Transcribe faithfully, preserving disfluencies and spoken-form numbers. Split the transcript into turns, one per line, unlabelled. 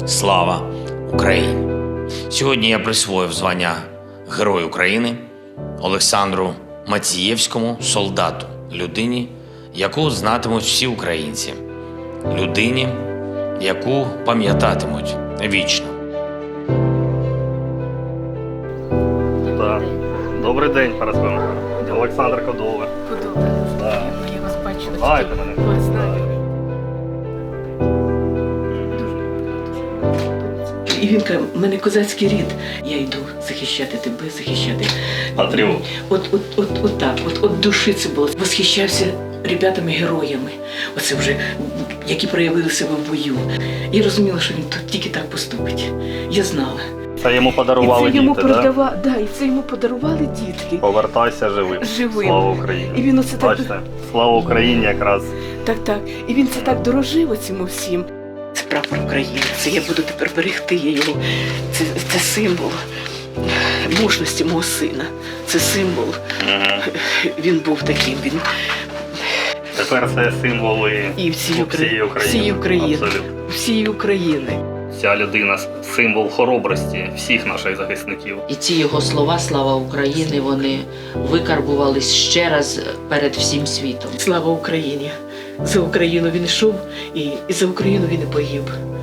Слава Україні! Сьогодні я присвоїв звання Герой України Олександру Мацієвському солдату, людині, яку знатимуть всі українці, людині, яку пам'ятатимуть вічно.
Так. Добрий день, Парасковна. Олександр Кодоле.
Подобається.
Да.
Я вас бачила.
Знаєте мене?
Вас знаю. І він каже, в мене козацький рід. Я йду захищати тебе, захищати.
Патріот.
От, от, от, от так, от, от душі це було. Восхищався ребятами-героями, оце вже, які проявили себе в бою. Я розуміла, що він тут тільки так поступить. Я знала.
Це йому подарували
і це йому
діти, так?
продава... да? Да, і це йому подарували дітки.
Повертайся живим.
Живим.
Слава Україні.
І він оце так,
Бачите, слава Україні якраз.
так, так. І він це так дорожив оцьому всім. Це прапор України. Це я буду тепер берегти я його. Це, це символ мужності мого сина. Це символ.
Угу.
Він був таким. Він
Тепер це символи
і всієї
всієї
України.
України.
Всієї України.
Абсолютно.
Всієї України.
Ця людина – символ хоробрості всіх наших захисників.
І ці його слова «Слава Україні» вони викарбувались ще раз перед всім світом.
Слава Україні! За Україну він йшов і, і за Україну він і погиб.